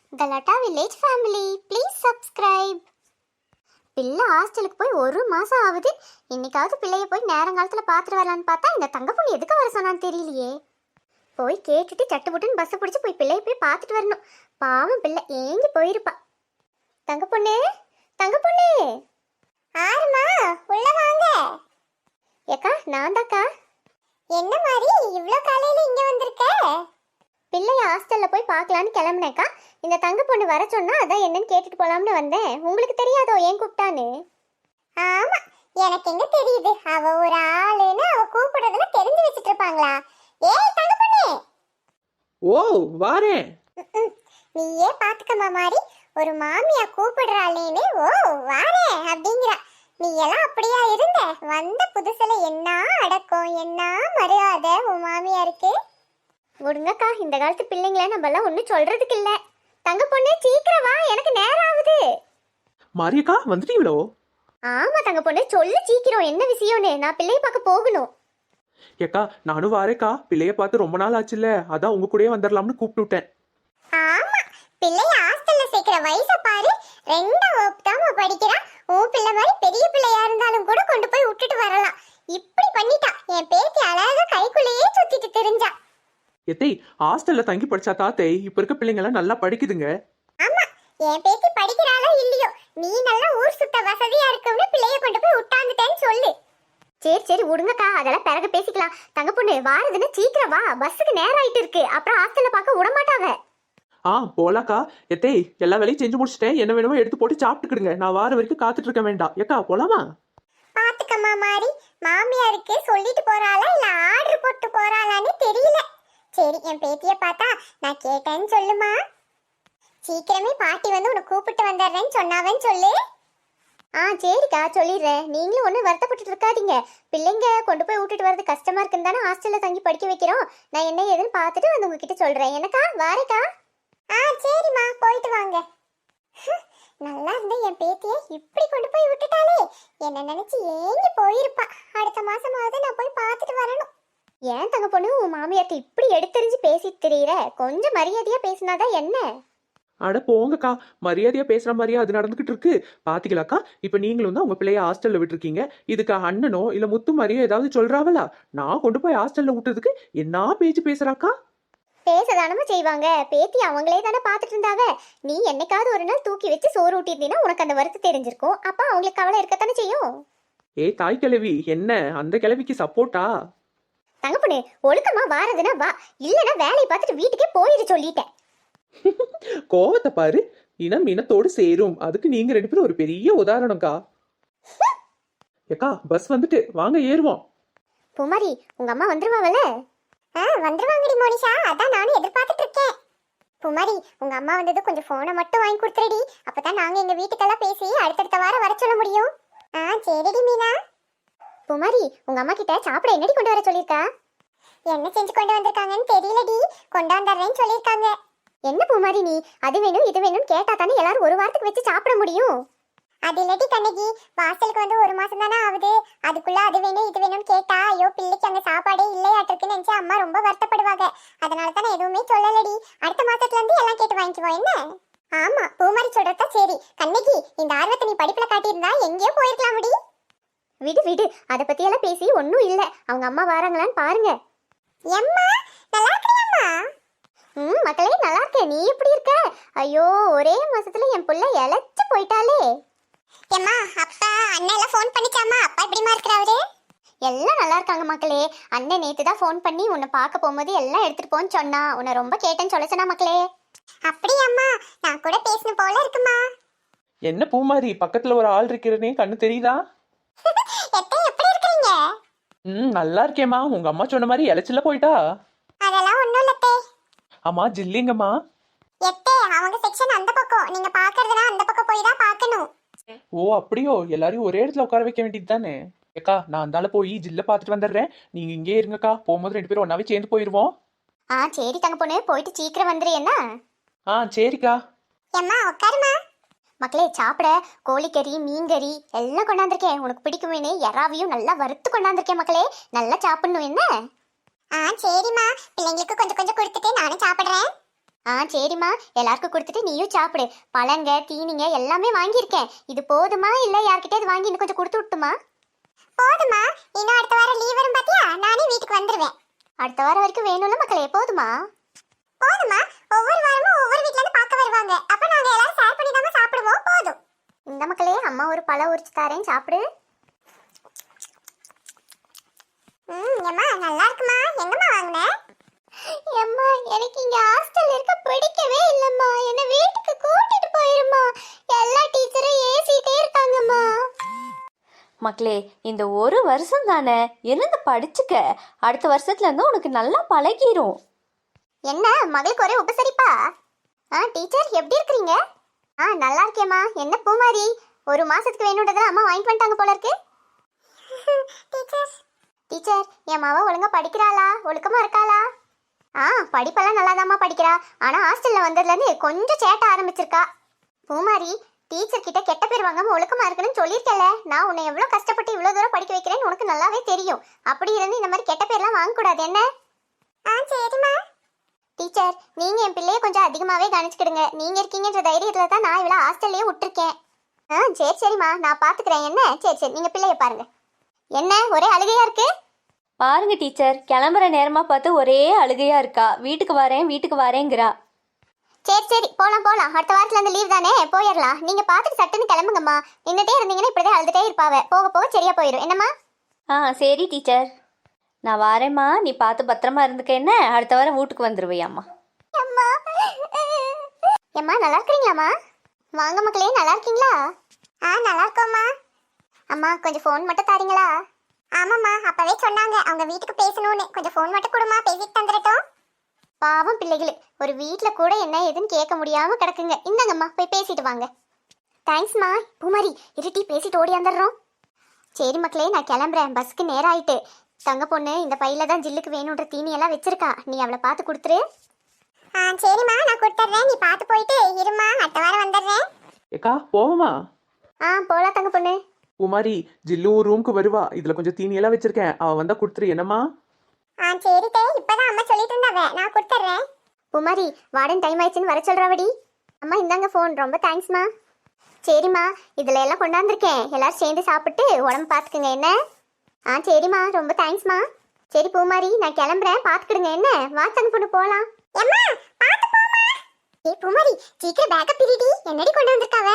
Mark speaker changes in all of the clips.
Speaker 1: The Lata Village family, please subscribe. பிள்ளை ஹாஸ்டலுக்கு போய் ஒரு மாசம் ஆகுது. இன்னைக்காவது பிள்ளைய போய் நேரங்காலத்துல பாத்துட்டு வரலான்னு பார்த்தா இந்த தங்க பொண்ணு எதுக்கு வர சொன்னான்னு தெரியலையே. போய் கேட்டுட்டு சட்டுப்புட்டுன்னு பஸ் பிடிச்சி போய் பிள்ளைய போய் பார்த்துட்டு வரணும். பாவம் பிள்ளை ஏங்கி போயிருப்பா. தங்க பொண்ணு, தங்க பொண்ணு. ஆறுமா, உள்ள வாங்க. ஏக்கா, நான் தாக்கா. என்ன மாதிரி இவ்வளோ காலையில இங்க வந்திருக்க? பிள்ளைய ஹாஸ்டல்ல போய் பார்க்கலான்னு கிளம்புனேக்கா. இந்த தங்க பொண்ணு வர சொன்னா அதான் என்னன்னு கேட்டுட்டு போலாம்னு வந்தேன். உங்களுக்கு தெரியாதோ ஏன் கூப்பிட்டான்னு? ஆமா, எனக்கு எங்க தெரியுது. அவ ஒரு ஆளுன்னு அவ கூப்பிடுறதுல தெரிஞ்சு வச்சிட்டு இருப்பாங்களா? ஏய் தங்க பொண்ணு.
Speaker 2: ஓ வாரேன்.
Speaker 1: நீயே பாத்துக்கமா மாதிரி ஒரு மாமியா கூப்பிடுறாளேன்னு ஓ வாரேன் அப்படிங்கிறா. நீ எல்லாம் அப்படியா இருந்த? வந்த புதுசுல என்ன அடக்கம், என்ன மரியாதை உன் மாமியாருக்கு. விடுங்கக்கா, இந்த காலத்து பிள்ளைங்கள நம்ம எல்லாம் ஒன்னும் சொல்றதுக்கு இல்ல. தங்க பொண்ணு சீக்கிரம் வா, எனக்கு நேரம் ஆகுது.
Speaker 2: மாரியக்கா வந்துட்டீங்களோ?
Speaker 1: ஆமா தங்க பொண்ணு, சொல்லு சீக்கிரம், என்ன விஷயம்னு. நான் பிள்ளைய பார்க்க போகணும்.
Speaker 2: ஏக்கா நானும் வாரேக்கா. பிள்ளைய பார்த்து ரொம்ப நாள் ஆச்சுல்ல, அதான் உங்க கூடயே வந்துடலாம்னு கூப்பிட்டு விட்டேன்.
Speaker 1: ஆமா, பிள்ளைய ஹாஸ்டல்ல சேர்க்கிற வயசை பாரு. 2ஆம் வகுப்பு தான் படிக்கிறா. உன் பிள்ளை மாதிரி பெரிய பிள்ளையா இருந்தாலும் கூட கொண்டு போய் விட்டுட்டு வரலாம். இப்படி பண்ணிட்டா. என் பேத்தி அழகா கைக்குள்ளேயே சுத்திட்டு தெரிஞ்சா.
Speaker 2: எத்தை ஹாஸ்டல்ல தங்கி படிச்சா தாத்தே இப்ப இருக்க பிள்ளைங்க எல்லாம் நல்லா படிக்குதுங்க.
Speaker 1: ஆமா, என் பேத்தி படிக்கிறாளோ இல்லையோ, நீ நல்லா ஊர் சுத்த வசதியா இருக்குன்னு பிள்ளைய கொண்டு போய் விட்டாந்துட்டேன்னு சொல்லு. சரி சரி விடுங்கக்கா, அதெல்லாம் பிறகு பேசிக்கலாம். தங்க பொண்ணு வாரதுன்னு சீக்கிரம் வா, பஸ்ஸுக்கு நேரம் ஆயிட்டு இருக்கு. அப்புறம் ஹாஸ்டல்ல பார்க்க விட மாட்டாங்க.
Speaker 2: போலாக்கா. எத்தை எல்லா வேலையும் செஞ்சு முடிச்சிட்டேன். என்ன வேணுமோ எடுத்து போட்டு சாப்பிட்டுக்கிடுங்க. நான் வார வரைக்கும் காத்துட்டு இருக்க வேண்டாம். ஏக்கா போலாமா?
Speaker 1: பாத்துக்கம்மா மாதிரி மாமியாருக்கு சொல்லிட்டு போறாளா இல்ல ஆர்டர் போட்டு போறாளான்னு தெரியல. சரி, என் பேத்திய பார்த்தா நான் கேட்டேன்னு சொல்லுமா. சீக்கிரமே பாட்டி வந்து உன்னை கூப்பிட்டு வந்துடுறேன்னு சொன்னாவன்னு சொல்லு. சரிக்கா சொல்லிடுறேன். நீங்களும் ஒன்றும் வருத்தப்பட்டு இருக்காதீங்க. பிள்ளைங்க கொண்டு போய் விட்டுட்டு வரது கஷ்டமா இருக்குன்னு தானே ஹாஸ்டல்ல தங்கி படிக்க வைக்கிறோம். நான் என்ன ஏதுன்னு பார்த்துட்டு வந்து உங்ககிட்ட சொல்றேன். எனக்கா வாரேக்கா. சரிம்மா, போயிட்டு வாங்க. நல்லா இருந்த என் பேத்திய இப்படி கொண்டு போய் விட்டுட்டாலே, என்ன நினைச்சு ஏங்கி போயிருப்பா. அடுத்த மாசமாவது நான் போய் பார்த்துட்டு வரணும். ஏன் தங்க பொண்ணு உன் மாமியார்ட்ட இப்படி எடுத்தறிஞ்சு பேசிட்டு தெரியற? கொஞ்சம் மரியாதையா பேசினாதான் என்ன?
Speaker 2: அட போங்கக்கா, மரியாதையா பேசுற மாதிரியா அது நடந்துகிட்டு இருக்கு. பாத்தீங்களாக்கா, இப்ப நீங்களும் தான் உங்க பிள்ளைய ஹாஸ்டல்ல விட்டுருக்கீங்க. இதுக்கு அண்ணனோ இல்ல முத்து மாதிரியோ ஏதாவது சொல்றாவளா? நான் கொண்டு போய் ஹாஸ்டல்ல விட்டதுக்கு என்ன பேச்சு பேசுறாக்கா?
Speaker 1: பேசதானமா செய்வாங்க. பேத்தி அவங்களே தானே பார்த்துட்டு இருந்தாவ. நீ என்னைக்காவது ஒரு நாள் தூக்கி வச்சு சோறு ஊட்டியிருந்தீங்கன்னா உனக்கு அந்த வருத்தம் தெரிஞ்சிருக்கும். அப்ப அவங்களுக்கு கவலை இருக்கத்தானே செய்யும்.
Speaker 2: தாய் கிழவி என்ன அந்த கிழவிக்கு சப்போர்ட்டா?
Speaker 1: தங்க பொண்ணு ஒழுக்கமா வாரதுன்னா வா, இல்லைன்னா வேலையை பார்த்துட்டு வீட்டுக்கே போயிரு சொல்லிட்டேன்.
Speaker 2: கோவத்தை பாரு. இனம் இனத்தோடு சேரும். அதுக்கு நீங்க 2 பேரும் ஒரு பெரிய உதாரணம்க்கா. ஏக்கா பஸ் வந்துட்டு வாங்க ஏறுவோம்.
Speaker 1: பூமாரி, உங்க அம்மா வந்துருவாங்கல்ல? வந்துருவாங்கடி மோனிஷா, அதான் நானும் எதிர்பார்த்துட்டு இருக்கேன். பூமாரி, உங்க அம்மா வந்தது கொஞ்சம் போனை மட்டும் வாங்கி கொடுத்துருடி. அப்பதான் நாங்க எங்க வீட்டுக்கெல்லாம் பேசி அடுத்தடுத்த வாரம் வர சொல்ல முடியும். சரிடி மீனா. பூமாரி, உங்க அம்மா கிட்ட சாப்பிட என்னடி கொண்டு வர சொல்லிருக்கா? என்ன செஞ்சு கொண்டு வந்திருக்காங்கன்னு தெரியலடி, கொண்டாந்துறேன்னு சொல்லிருக்காங்க. என்ன பூமாரி நீ அது வேணும் இது வேணும்னு கேட்டா தானே எல்லாரும் ஒரு வாரத்துக்கு வச்சு சாப்பிட முடியும். அது இல்லடி கண்ணகி, வாசலுக்கு வந்து ஒரு மாசம் தானே ஆகுது. அதுக்குள்ள அது வேணும் இது வேணும்னு கேட்டா ஐயோ பிள்ளைக்கு அங்க சாப்பாடே இல்லையாட்டிருக்குன்னு நினைச்சு அம்மா ரொம்ப வருத்தப்படுவாங்க. அதனால தான் எதுவுமே சொல்லலடி. அடுத்த மாசத்துல இருந்து எல்லாம் கேட்டு வாங்கிக்குவோம் என்ன? ஆமா, பூமாரி சொல்றதா சரி. கண்ணகி, இந்த ஆர்வத்தை நீ படிப்புல காட்டியிருந்தா எங்கேயோ போயிருக்கலாம் முடி. விடு விடு, அதை பத்தி எல்லாம் பேசி ஒன்னும் இல்ல. அவங்க அம்மா வராங்களான்னு பாருங்க. எம்மா நல்லா இருக்கியாம்மா? மக்களே நல்லா இருக்கேன். நீ எப்படி இருக்க? ஐயோ ஒரே மாசத்துல என் புள்ள இழைச்சு போயிட்டாலே. ஏம்மா அப்பா அண்ணன் எல்லாம் ஃபோன் பண்ணிச்சாமா? அப்பா எப்படிமா இருக்கிறாரு? எல்லாம் நல்லா இருக்காங்க மக்களே. அண்ணன் நேத்து தான் ஃபோன் பண்ணி உன்னை பார்க்க போகும்போது எல்லாம் எடுத்துட்டு போன்னு சொன்னா. உன்னை ரொம்ப கேட்டேன்னு சொல்ல சொன்னா மக்களே. அப்படியாம்மா? நான் கூட பேசணும் போல இருக்குமா.
Speaker 2: என்ன பூமாரி, பக்கத்துல ஒரு ஆள் இருக்கிறனே கண்ணு தெரியுதா?
Speaker 1: எப்படி இருக்கீங்க?
Speaker 2: நல்லா இருக்கேம்மா. உங்க அம்மா சொன்ன மாதிரி இலைச்சில போயிட்டா?
Speaker 1: அதெல்லாம் ஒண்ணும் இல்லத்தே.
Speaker 2: அம்மா ஜில்லிங்கம்மா.
Speaker 1: எத்தே அவங்க செக்ஷன் அந்த பக்கம், நீங்க பாக்குறதுனா அந்த பக்கம் போய் தான் பார்க்கணும்.
Speaker 2: ஓ அப்படியோ, எல்லாரையும் ஒரே இடத்துல உட்கார வைக்க வேண்டியது தானே. ஏக்கா நான் அந்தால போய் ஜில்ல பாத்துட்டு வந்துடுறேன். நீங்க இங்கே இருங்கக்கா. போகும்போது 2 பேரும் ஒன்னாவே சேர்ந்து போயிருவோம்.
Speaker 1: சரி தங்க பொண்ணு, போயிட்டு சீக்கிரம் வந்துரு என்ன?
Speaker 2: சரிக்கா.
Speaker 1: எம்மா உட்காருமா. மக்களே சாப்பிட கோழிக்கறி மீன்கறி எல்லாம் கொண்டாந்துருக்கேன். உனக்கு பிடிக்குமேனே எறாவையும் நல்லா வறுத்து கொண்டாந்துருக்கேன் மக்களே. நல்லா சாப்பிடணும் என்ன? சரிம்மா, பிள்ளைங்களுக்கு கொஞ்சம் கொஞ்சம் கொடுத்துட்டு நானும் சாப்பிடுறேன். சரிம்மா, எல்லாருக்கும் கொடுத்துட்டு நீயும் சாப்பிடு. பழங்க தீனிங்க எல்லாமே வாங்கியிருக்கேன். இது போதுமா இல்ல யார்கிட்டயாவது வாங்கி இன்னும் கொஞ்சம் கொடுத்து விட்டுமா? போதுமா, இன்னும் அடுத்த வாரம் லீவ் வரும் பாத்தியா, நானே வீட்டுக்கு வந்துருவேன். அடுத்த வாரம் வரைக்கும் வேணும்ல மக்களே, போதுமா? போதுமா, ஒவ்வொரு வாரமும் ஒவ்வொரு வீட்ல இருந்து பார்க்க வருவாங்க. அப்ப நாங்க எல்லாரும் ஷேர் பண்ணி தான் சாப்பிடுவோம். போதும். இந்த மக்களே, அம்மா ஒரு பழம் உரிச்சு தரேன், சாப்பிடு. ஏம்மா நல்லா இருக்குமா? எங்கம்மா வாங்குன? ஏம்மா, எனக்கு இங்க ஹாஸ்டல் இருக்க பிடிக்கவே இல்லம்மா. என்ன வீட்டுக்கு கூட்டிட்டு போயிருமா. எல்லா டீச்சரும் ஏசிட்டே இருக்காங்கம்மா.
Speaker 3: மக்களே, இந்த ஒரு வருஷம் தானே இருந்து படிச்சுக்க. அடுத்த வருஷத்துல இருந்து உனக்கு நல்லா பழகிரும்.
Speaker 1: என்ன மகளுக்கு ஒரே உபசரிப்பா? டீச்சர் எப்படி இருக்கீங்க? நல்லா இருக்கேம்மா. என்ன பூமாரி, ஒரு மாசத்துக்கு வேணும்ன்றதெல்லாம் அம்மா வாங்கிட்டு வந்துட்டாங்க போல இருக்கு. டீச்சர், என் மாவ ஒழுங்கா படிக்கிறாளா? ஒழுக்கமா இருக்காளா? படிப்பெல்லாம் நல்லாதாம்மா படிக்கிறா. ஆனா ஹாஸ்டல்ல வந்ததுல இருந்து கொஞ்சம் சேட்ட ஆரம்பிச்சிருக்கா. பூமாரி, டீச்சர் கிட்ட கெட்ட பேர் வாங்காம ஒழுக்கமா இருக்கணும்னு சொல்லியிருக்கல. நான் உன்னை எவ்வளவு கஷ்டப்பட்டு இவ்வளவு தூரம் படிக்க வைக்கிறேன்னு உனக்கு நல்லாவே தெரியும். அப்படி இருந்து இந்த மாதிரி கெட்ட பேர்லாம் வாங்கக்கூடாது. என்ன? சரிம்மா. டீச்சர், நீங்க என் பிள்ளைய கொஞ்சம் அதிகமாவே கவனிச்சுக்கிடுங்க. நீங்க இருக்கீங்கன்ற தைரியத்துல தான் நான் இவ்வளவு ஹாஸ்டல்லே விட்டுருக்கேன். சரிம்மா, நான் பாத்துக்கிறேன். என்ன? சரி, நீங்க பிள்ளைய பாருங்க. என்ன ஒரே அழுகையா இருக்கு?
Speaker 3: பாருங்க டீச்சர், கிளம்புற நேரமா பார்த்து ஒரே அழுகையா இருக்கா. வீட்டுக்கு வரேங்கிறா.
Speaker 1: சரி, போலாம். அடுத்த வாரத்துல இருந்து லீவ் தானே, போயிடலாம். நீங்க பாத்துட்டு சட்டுன்னு கிளம்புங்கம்மா. நின்னுட்டே இருந்தீங்கன்னா இப்படிதான் அழுதுட்டே இருப்பாவ. போக போக சரியா போயிடும். என்னம்மா?
Speaker 3: சரி டீச்சர், நான் வரேம்மா. நீ பார்த்து பத்திரமா இருந்துக்க. என்ன, அடுத்த வாரம் வீட்டுக்கு வந்துருவையாம்மா.
Speaker 1: ஏம்மா, நல்லா இருக்கீங்களாம்மா? வாங்க மக்களே, நல்லா இருக்கீங்களா? நல்லா இருக்கோம்மா. அம்மா, கொஞ்சம் ஃபோன் மட்டும் தாரீங்களா? ஆமாம்மா, அப்பவே சொன்னாங்க அவங்க வீட்டுக்கு பேசணும்னு. கொஞ்சம் ஃபோன் மட்டும் கொடுமா, பேசிட்டு தந்துடட்டும். பாவம் பிள்ளைகள், ஒரு வீட்டில் கூட என்ன ஏதுன்னு கேட்க முடியாம கிடக்குங்க. இந்தாங்கம்மா, போய் பேசிட்டு வாங்க. தேங்க்ஸ்மா. பூமாரி, இருட்டி பேசிட்டு ஓடி வந்துடுறோம். சரி மக்களே, நான் கிளம்புறேன். பஸ்க்கு நேரம் ஆயிட்டு. தங்க பொண்ணு இந்த பையில தான் ஜில்லுக்கு வேணுன்ற தீனி எல்லாம் வச்சிருக்கா. நீ அவளை பார்த்து கொடுத்துரு. சரிம்மா, நான் கொடுத்துட்றேன். நீ பார்த்து போயிட்டு இருமா, அடுத்த வாரம் வந்துடுறேன்.
Speaker 2: ஏக்கா போவோமா?
Speaker 1: போலாம் தங்க பொண்ணு.
Speaker 2: குமாரி, ஜில்லு ரூமுக்கு வருவா. இதுல கொஞ்சம் தீனியெல்லாம் வச்சிருக்கேன், அவ வந்தா கொடுத்துரு. என்னம்மா?
Speaker 1: சரிட்டே, இப்பதான் அம்மா சொல்லிட்டு இருந்தாவ, நான் கொடுத்துட்றேன். பூமாரி, வார்டன் டைம் ஆயிடுச்சுன்னு வர சொல்றாவடி. அம்மா இந்தாங்க ஃபோன். ரொம்ப தேங்க்ஸ்மா. சரிம்மா, இதுல எல்லாம் கொண்டாந்துருக்கேன். எல்லாரும் சேர்ந்து சாப்பிட்டு உடம்பு பார்த்துக்குங்க. என்ன? சரிம்மா, ரொம்ப தேங்க்ஸ்மா. சரி பூமாரி, நான் கிளம்புறேன். பார்த்துக்கிடுங்க. என்ன? வாட்ஸ்அப் பொண்ணு போகலாம். பூமாரி, சீக்கிரம் பேக்க பிரிடி. என்னடி கொண்டு வந்திருக்காவ?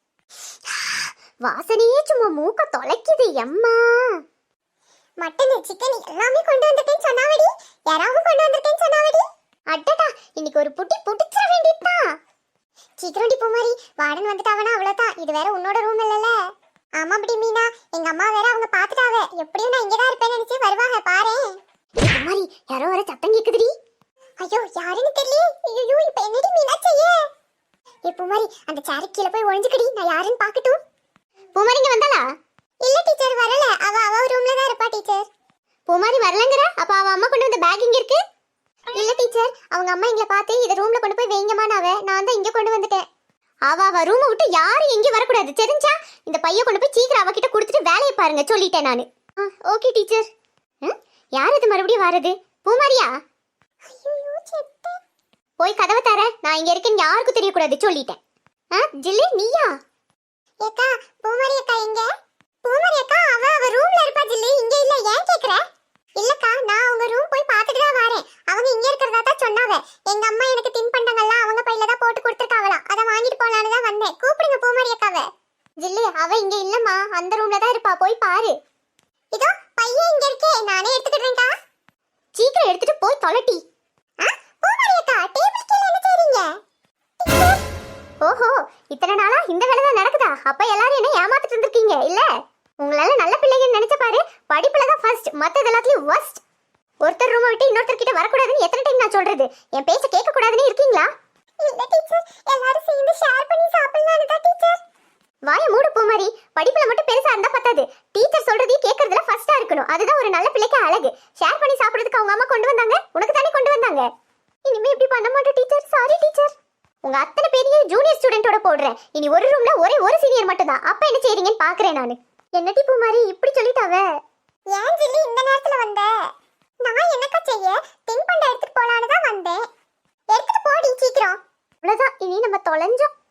Speaker 1: வாசனையே சும்மா மூக்க தொலைக்குது. எம்மா, மட்டன் சிக்கன் எல்லாமே கொண்டு வந்திருக்கேன்னு சொன்னாவடி. யாராவது கொண்டு வந்திருக்கேன்னு சொன்னாவடி. அடடா, இன்னைக்கு ஒரு புட்டி புடிச்சிட வேண்டியதுதான். சீக்கிரம்டி பூமாரி, வார்டன் வந்துட்டாவனா அவ்வளவுதான். இது வேற உன்னோட ரூம் இல்லல. ஆமா படி மீனா, எங்க அம்மா வேற அவங்க பாத்துட்டாவ. எப்படியும் நான் இங்கதான் இருப்பேன்னு நினைச்சு வருவாங்க பாரு. பூமாரி, யாரோ வர சத்தம் கேக்குதுடி. ஐயோ, யாருன்னு தெரியல. ஐயோ, இப்ப என்னடி மீனா செய்ய? பூமாரி, அந்த சேருக்கு கீழே போய் ஒளிஞ்சுக்கடி. நான் யாருன்னு பாக்கட்டும். பூமாரி இங்க வந்தாளா? இல்ல டீச்சர், வரல. அவ ரூம்ல தான் இருப்பா டீச்சர். பூமாரி வரலங்கற? அப்ப அவ அம்மா கொண்டு வந்த பேக் இங்க இருக்கு. இல்ல டீச்சர், அவங்க அம்மா எங்களை பார்த்து இத ரூம்ல கொண்டு போய் வைங்கமானாவ. நான் தான் இங்க கொண்டு வந்துட்டேன். அவ ரூமை விட்டு யாரும் எங்கேயும் வரக்கூடாது, தெரிஞ்சா? இந்த பைய கொண்டு போய் சீக்கிரம் அவகிட்ட கொடுத்துட்டு வேலையை பாருங்க, சொல்லிட்டேன் நானு. Okay teacher. யார் இது மறுபடியும் வரது? பூமாரியா? போய் கதவை தர. நான் இங்க இருக்கேன்னு யாருக்கும் தெரியக்கூடாது, சொல்லிட்டேன். ஜில்லி, நீயா? ஏக்கா, பூமாரி அக்கா எங்க? பூமாரி அக்கா அவ ரூம்ல இருப்பா ஜில்லி, இங்க இல்ல. ஏன் கேக்குற? இல்லக்கா, நான் உங்க ரூம் போய் பார்த்துட்டு தான் வரேன். அவங்க இங்க இருக்கறதா தான் சொன்னாவ. எங்க அம்மா எனக்கு தின்பண்டங்கள்லாம் அவங்க பையில தான் போட்டு கொடுத்துருக்காவலாம். அத வாங்கிட்டு போலான்னு தான் வந்தேன். கூப்பிடுங்க பூமாரி அக்காவை. ஜில்லி, அவ இங்க இல்லம்மா, அந்த ரூம்ல தான் இருப்பா. போய் பாரு. இதோ பையன் இங்க இருக்கே, நானே எடுத்துக்கிறேன்க்கா. சீக்கிரம் எடுத்துட்டு போய் தொலைட்டி. பூமாரி அக்கா, டேபிள் கீழ என்ன செய்றீங்க? ஓஹோ, இத்தனை நாளா இந்த வேலை தான் நடக்குதா? அப்ப எல்லாரும் என்ன ஏமாத்திட்டு இருந்திருக்கீங்க இல்ல? உங்களால நல்ல பிள்ளைங்கன்னு நினைச்ச பாரு. படிப்புல தான் ஃபர்ஸ்ட், மத்தது எல்லாத்துலயும் வர்ஸ்ட். ஒருத்தர் ரூமை விட்டு இன்னொருத்தர் கிட்ட வரக்கூடாதுன்னு எத்தனை டைம் நான் சொல்றது? என் பேச்ச கேட்க கூடாதுன்னு இருக்கீங்களா? இல்ல டீச்சர், எல்லாரும் சேர்ந்து ஷேர் பண்ணி சாப்பிடலாம்னு தான் டீச்சர். வாய மூடு பூமாரி. படிப்புல மட்டும் பெருசா இருந்தா பத்தாது, டீச்சர் சொல்றதையும் கேட்கறதுல ஃபர்ஸ்டா இருக்கணும். அதுதான் ஒரு நல்ல பிள்ளைக்கு அழகு. ஷேர் பண்ணி சாப்பிடுறதுக்கு அவங்க அம்மா கொண்டு வந்தாங்க, உனக்கு தானே கொண்டு வந்தாங்க. இனிமே இப்படி பண்ண மாட்டேன் டீச்சர். Sorry teacher. உங்க அத்தனை பேரையும் ஜூனியர் ஸ்டூடெண்டோட போடுறேன். இனி ஒரு ரூம்ல ஒரே ஒரு சீனியர் மட்டும் தான். அப்ப என்ன செய்றீங்கன்னு பாக்குறேன் நானு. என்னடி பூமாரி இப்படி சொல்லிட்டாவ? ஏன் ஜில்லி இந்த நேரத்துல வந்த? நான் என்னக்கா செய்ய, தின்பண்டம் எடுத்துட்டு போலான்னு தான் வந்தேன். எடுத்துட்டு போடி சீக்கிரம். அவ்வளவுதான், இனி நம்ம தொலைஞ்சோம்.